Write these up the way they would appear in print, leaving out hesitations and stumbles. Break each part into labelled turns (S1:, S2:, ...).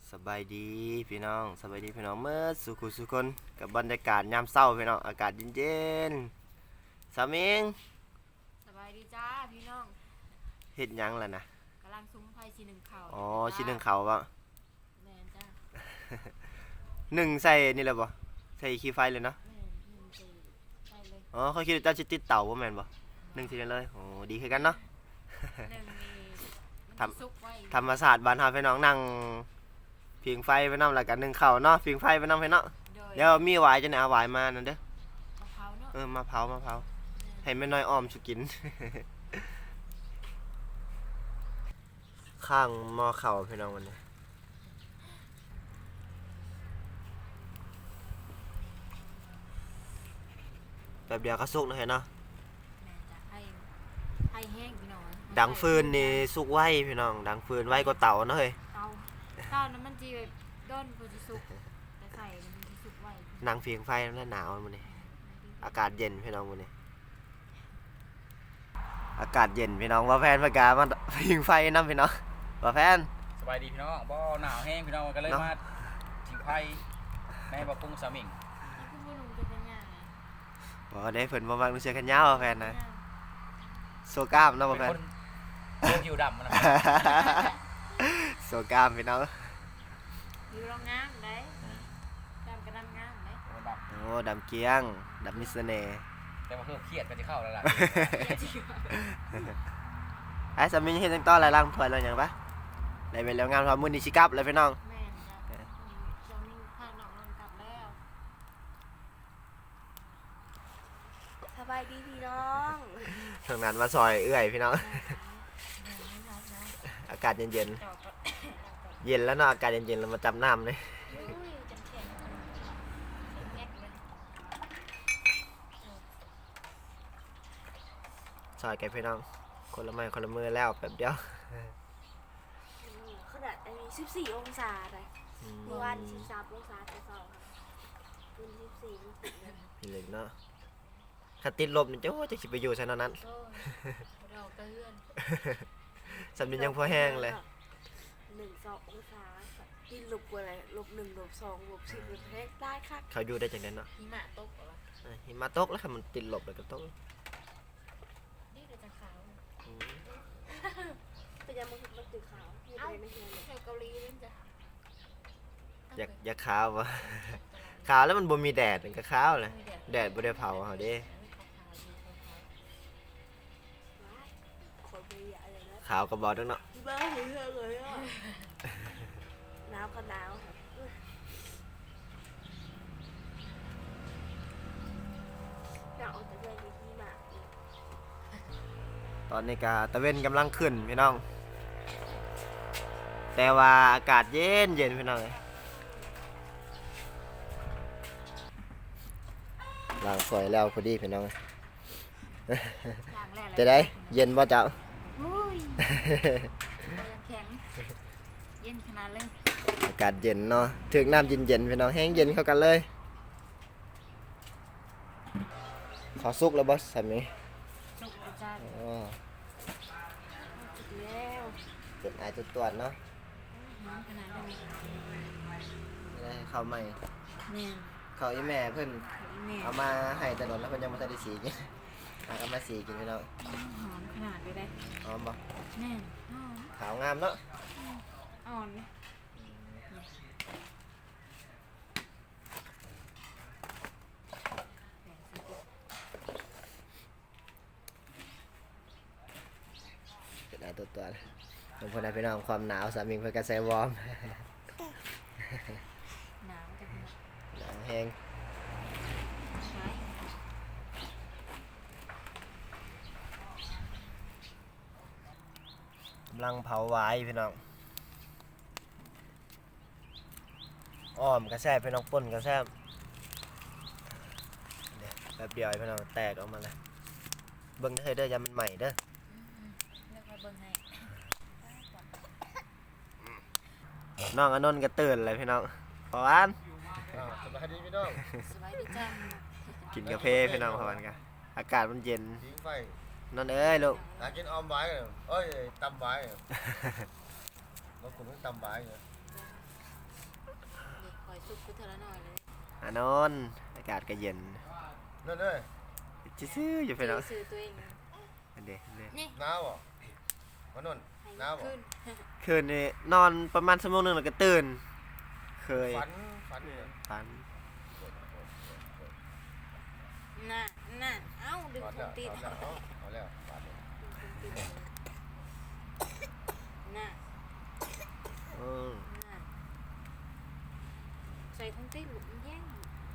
S1: สบายดีพี่น้องสบายดีพี่น้องเมื่อสุคนกับบรรยากาศยามเช้าพี่น้องอากาศเย็นๆสามิง
S2: สบายดีจ้าพี่น้อง
S1: เฮ็ดหยังล่ะนะ
S2: กำลังซุ้มไฟชีหนึ่งเข่า
S1: อ๋อชิ้นหนึ่งเขาบ่
S2: แมนจ้า
S1: หนึ่งใส่นี่แหละบ่ใส่ขี้ไฟเลยเนาะ
S2: แมนหนึ่งสี่ใช่เลย
S1: อ๋อเขาคิดว่าจะติดเตาบ่แม่นบ่หนึ่งสิเลยโอ้ดีคือกันเนาะ
S2: หนึ่งมี
S1: ท
S2: มันซุกไว้
S1: ธรรมศาสตร์บ้านเฮาพี่น้องนั่งผิงไฟไปนำแล้วกันหนึ่งเขาเนาะผิงไฟไปนำให้เนาะเดี๋ยวมีหวายจะได้เอาหวายมานั่นเด้อ
S2: มะพร้าวเนาะ
S1: มาเผาให้แม่น้อยอ้อมสุกิน ข้างหม้อเข่าพี่น้องวันนี้แบบเดียวก็สุกนะเห็นเนาะ
S2: แมนจ้าให้แห้งพี่น้อง
S1: ดังฟืนนี่สุกไว้พี่น้องดังฟืนไว้ก็เต่าเนาะเฮ้ย
S2: เตานั้นมันจีแบบด้นพอจะสุกแต่ใส่มันจะสุกไว้
S1: นั่งเพียงไฟแล้วหนาวมันนี่อากาศเย็นพี่น้องมันนี่อากาศเย็นพี่น้องว่าแฟนประกาศมาเพียงไฟน้ำพี่น้องว่าแฟน
S3: สบายดีพี่น้องบ่หนาวแห้งพี่น้องก็เลยมาถิงไผ่ในบ่ปรุงสามิง
S2: นี่คือบุญจะเป็นยังไง
S1: บอกได้เพิ่นบ่มักเสื้อแขนยาวว่าแฟนนะโซกล้ามเนาะว่าแฟน
S3: เป็นผิวดำนะ
S1: โซกล้ามพี่น้อง
S2: อยู่โรงงานได้ดำกระดำงานได้
S1: โอ้ดำเกียงดำมิสเน่ห์
S3: แต่ว่าเพิ่มเครียดก็จะเข้าแล้วล่ะ
S1: ไอ้สามีเฮ็ดจังต้ออะไรล่างถ้วยแล้วหยังปะได้ไปแล้วงานพอมื้อนี้สิกลับแล้วพี่น้อง
S2: แม่นจ้ะจะมีข้างนอกมันกลับแล้ว
S4: สบายดีพี่น้อง
S1: ทางนั้นมาซอยเอื้อยพี่น้อง อากาศเย็นๆเย็นแล้วเนาะอากาศเย็นๆเรามาจำน้ำเลยซอยแกพี่น้องคนละไม้คนละมือแล้วแป๊บเดียว
S4: ขนาดอันนี้14องศาเลยเมื่อวาน13องศาแต่เช้าค่ะวัน14มันติดเลย
S1: พี่เล็กเนาะถ้าติดลบนี่จะสิไปอยู่ซะนั้น
S2: เราก็เลื่อน
S1: สำนึกยังพอแห้งเลย
S4: 1-2องศาติดลบกว่าอะไรลบ1ลบ2ลบ10ลบแห้งได้ค่ะ
S1: เขาอยู่ได้จังได๋เนาะ
S2: หิมะตกเหรอ
S1: หิมะตกแล้วค่ะมันติดลบแล้วก็ตก
S2: นี่เดี๋ยวจะขาว
S4: เป็นยังมันติดขาวอยู่ในไม่เห็นเลย
S2: แถวเกาหลีเล่นจ้ะ
S1: อยากขาววะขาวแล้วมันบ่มีแดดมันก็ขาวเลยแดดบ่ได้เผาเฮาเด้
S4: คนไม่อยากอะไรนะ
S1: ขาวก็บ่ดังเนาะ
S4: บ้าเรื่องเลยอ่ะหนาวก็หนาวอยากออกจากเรื่องนี้ที่มา
S1: ตอนนี้ก็ตะเวนกำลังขึ้นพี่น้องแต่ว่าอากาศเย็นพี่น้องล้างสวยแล้วพอดีพี่น้องจะได้เย็นบ่เจ้า
S2: แข็งเย็นขนาดเลย
S1: อากาศเย็นเนาะถึงน้ำเย็นพี่น้องแห้งเย็นเข้ากันเลยขอซุกแล้วบอสสามี
S2: สุกจ้า
S4: แล้ว
S1: เป็นไอตัวตัวเนาะ
S2: ขนาด
S1: ได้เข้าใหม่
S2: เนี่ย
S1: เขาอีแม่เพิ่นเอามาให้แต่โดนแล้วเพิ่นยังไม่ได้สีกินเอามาสีกินพี่น้อง
S2: หอมขนาดไปได้
S1: หอมบ่
S2: แน่หอม
S1: ขาวงามเนาะ
S2: อ่อน
S1: เป็นไอตัวบางคนได้พี่น้องความหนาวสามีเพิ่นก็ใส่วอร์ม
S2: หนาวจัง
S1: หนาวแห้งกำลังเผาไว้พี่น้องอ้อมกระแซบพี่น้องป่นกระแซบเนี่ยแบบเดียวพี่น้องแตกออกมาเลยเบิ่งเด้อยามันใหม่เด้อน้องอนนท์ก็ตื่นเลยพี่น้องพอวัน
S3: สบายดีพี่น้อง
S2: สบายดีจ้า
S1: กินกาแฟพี่น้องพอวันกันอากาศมันเย็น
S3: ทิ้งไฟ
S1: นนเอ้ยลูก
S3: กินออมไว้เอ้ยตำไว้แล้วคุณต้องตำไว้เหรอ
S2: สุกกูเท่าละหน่อยเลย
S1: อานอนอากาศก็เย็น
S5: นั่นเลย
S1: ซื่อๆอยู่พี่น้อง
S2: ซื้อตัวเอง
S1: อันเด้อันเด้
S2: นี่
S5: หนาวบ่มานุ่น
S2: ให้
S5: หนาวบ่
S2: ขึ้น
S1: คืนนี้นอนประมาณชั่วโมงหนึงแล้วก็ตื่น เคย
S5: ฝันเนี่ย
S1: ฝัน
S2: น่ะน่ะเอ้าดึง
S5: ถอด
S2: ผ
S5: แล้
S2: ม
S5: ว
S2: ติด
S5: ถอดแล้วเอาแล้วบาดนี้
S2: น่ะ
S1: อืม
S2: น่ะใส่ทงติดหลุมแย่ง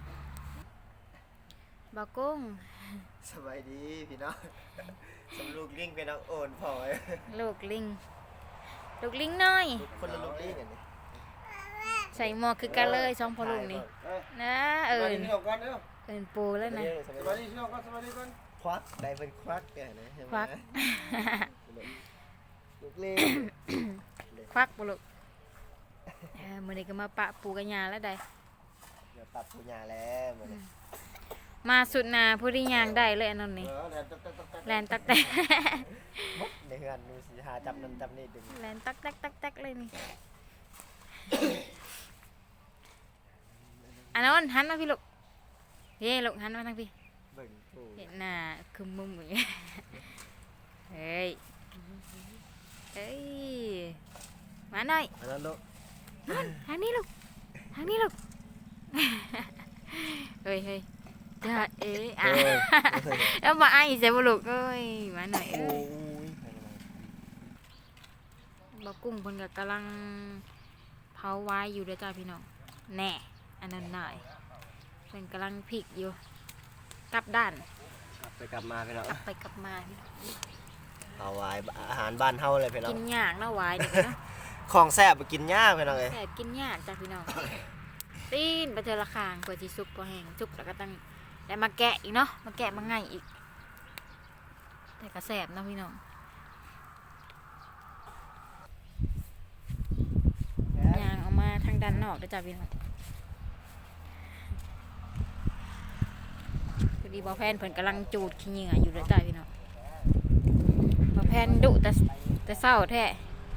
S2: บากุ้ง
S1: สบายดีพี่น้อง สำลูกลิงพี่น้องโอนพอไว้
S2: ลูกลิงลูกลิงน้อย
S1: คนละลูกลิงกันนี่
S2: ใส่หมวกคือกันเลยสองพ่อลูกนี่นะ
S5: สวัส
S2: เอิญ
S5: ดีพี่น้องก่อนเด้อ
S2: เอิญปูแล้วนะ
S5: สวัสดีพี่น้องก่อนสวัสดีก่อน
S1: ควักได้เป็นควักเนี่ยนะใช่ไหม
S2: ควัก
S1: ลูกลิง
S2: ควักปุลูกมื้อนี้ก็มาปะปูกันยาแล้วได้
S1: เดี๋ยวปรับปุญญาแล้วหมดเลย
S2: มาสุดนาผู้ที่ยางได้เลยอันนั้นนี่
S5: แลนตัก
S2: แลนตักแตก
S1: ในเฮือนดูสิหาจับนั่นจับนี่ดึง
S2: แลนตักแตกตักแตกเลยนี่อันนั้นหันมาพี่ลูกเฮ้ลูกหันมาทางพี่
S1: เบิ่งปู
S2: เห็นหน้าคือมุมอย่างเงี้ยเฮ้ยเฮ้ยมาหน่อย
S1: อันนั้นลูก
S2: ทางนี้ลูกทางนี้ลูกเฮ้ยเฮ้ยจะเอ๊ะอ่ะแล้วมาไอ้เสียบุลูกเอ้ยมาหน่อยเอ้
S1: โอ้
S2: ย
S1: ย
S2: บ่กุ้งเพิ่นก็กำลังเผาไว้อยู่เด้อจ้าพี่น้องแน่อันนั้นหน่อยเพิ่นกำลังพลิกอยู่กลับด้าน
S1: กลับไปกลับมาพี่น้อง
S2: กลับไปกลับมาพี่น้อง
S1: เอาไว้อาหารบ้านเฮาเลยพี่น้อ
S2: กิ
S1: ง
S2: นยากเนาะไว้นี่เนาะ
S1: ของแซ่บไปกินยากพี่น้องเอ้ย
S2: แซ่บกินยากจ้าพี่น้องตีนไปเจอละคางเพื่อที่สุกพอแห้งสุกแล้วก็ต้องได้มาแกะอีกเนาะมาแกะมาง่ายอีกแต่ก็แซ่บเนาะพี่น้องยางเอามาทางด้านนอกเด้อจ้าพี่น้องพอดีบอแพนเพิ่นกำลังจูดขี้เหงื่ออยู่เด้อจ้าพี่น้องบอแพนดุแต่เศร้าแท้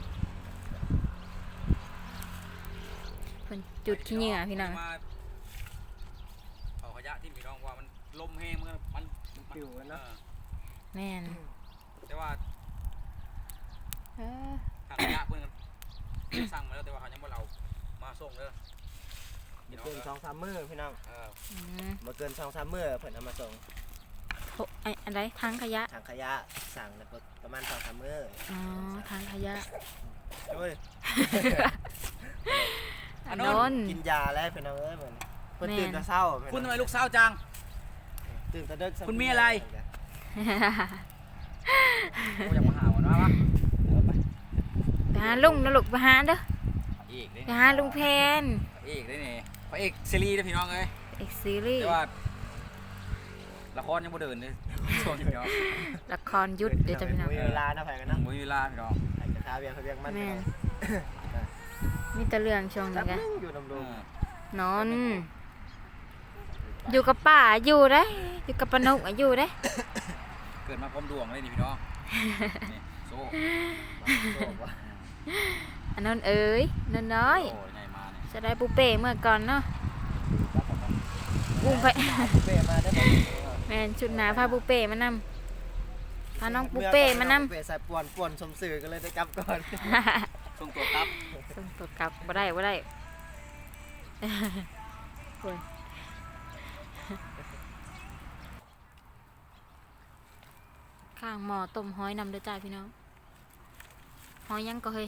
S2: เพิ่นจุดขี้เหงื่อพี่น้อง
S3: มาเอาขยะที่พี่น้องว่ามันลมแห้งมัน
S1: ปิวกันเนาะ
S2: แม่น
S3: แต่ว่า
S2: เออ
S3: ทางขยะเพิ่นก็สั่งมาแล้วแต่ว่าเขายังบ่เอามาส่งเด้อ
S1: บ่เกิน2-3มื้อพี่น้อง
S2: อืม
S1: บ่เกิน2-3มื้อเพิ่นเอามาส่ง
S2: โหอันใดทางขยะ
S1: ถังขยะสั่งแล้วก็ประมาณ2-3มื้อ
S2: อ๋อทางขยะ
S1: โอ้ย
S2: อันนน
S1: กินยาแล้วพี่น้องเอ้ยเหมือนเพิ่น
S2: แม่น
S1: ตื่นแต่เช้า
S3: คุณทำไมลูกสาวจัง
S1: ตื่นแต่ดึก
S3: คุณมีอะไร โอ้ยังมาหาวันวะ
S2: ไปหาลุงนะลูกไปหาเด้อ
S3: เอกได้
S2: ไปหาลุงแพน
S3: เอกได้นี่พระเอกซีรีส์นะพี่น้องเอ้ย
S2: เอกซีรีส์
S3: แต่ว่าละครยังบ่เดินเลยช่วงนี้พี่น้อง
S2: ละครยุทธเดี๋ยวจะพี่น้อง
S1: มีเวลานะแพงกันเนาะ
S3: บ่มีเวลาพี่น้อง
S1: ใครจะค้าเวียงเขาเวียงมัน
S2: แม่
S1: พี่น้อง
S2: มีแต่เรื่องช่วง
S1: จั
S2: นี้
S1: บ
S2: กัน
S1: นึงอยู่ดำรง
S2: นอนอยู่กับป้าอยู่ได้ออยู่กับปานกอยู่ได้อ
S3: เกิดมาพร้อมดวงเลยนี่พี่น้องนี่โซ่
S1: โซ่ว่า
S2: อันนั้นเอ๋ยนั่นน้อย
S3: โอ้ยไงมาเนี่ย
S2: จะได้ปูเป้เมื่อก่อนเนาะอุ้มไป
S1: เป้มาได้ไหม
S2: แม่นชุดหนาพาปูเป้มานำพาน้องปูเป้มานำ
S1: เป้ใส่ป่วนสมสื่อกันเลยได้กลับก่อน
S3: ส่งตัวครับ
S2: ส่งตัวกลับบ่ได้โอ้ยข้างหม้อต้มหอยนำเด้อจ้าพี่น้องหอยยังก็เฮ้ย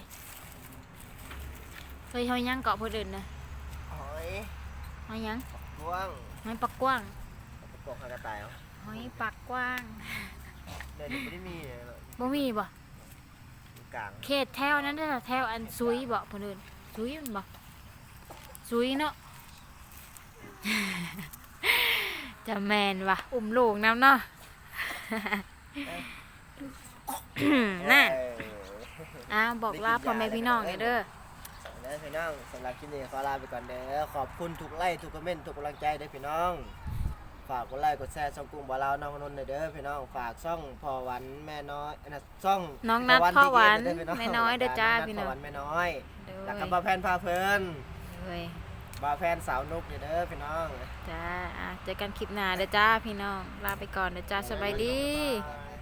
S2: หอยยังเกาะพอเดินนะ
S1: หอย
S2: หอยยัง
S1: กว้าง
S2: หอยปักกว้าง
S1: ประกอบกระต่ายเอา
S2: หอยปักกว้าง
S1: เดี๋ยวนี้ไม่ได้มีเลยหรอก
S2: บ่มีบ่
S1: อยู่กลาง
S2: เขตแถวนั้นเด้อแถวอันซุยบ่พอเดินซุยมันบ่ซุยเนาะ จะแมนว่ะอุ้มลูกน้ำเนาะ น่ะ บอกลาพ่อแม่พี่น้องเด้อ
S1: เด้อพี่น้องสำหรับคลิปนี้ขอลาไปก่อนเด้อขอบคุณทุกไลค์ทุกคอมเมนต์ทุกกำลังใจเด้อพี่น้องฝากกดไลค์กดแชร์ช่องกุ้งบ่าวลาวน้องนนท์เด้อพี่น้องฝากช่องพ่อหวันแม่น้อยนะช่อง
S2: น้องนัดพ่อหวาน
S1: เด้อพี่
S2: แม่น้อยเด้อจ้าพี่น้อง
S1: พ่อหวันแม่น้อย
S2: เด้อ
S1: แล้วก็บ่าวแพนพาเพลิน
S2: เว้ย
S1: บ่าวแฟนสาวนุกเด้อพี่น้อง
S2: จ้าเจอกันคลิปหน้าเด้อจ้าพี่น้องลาไปก่อนเด้อจ้าสบายดี
S1: บ๊ายบาย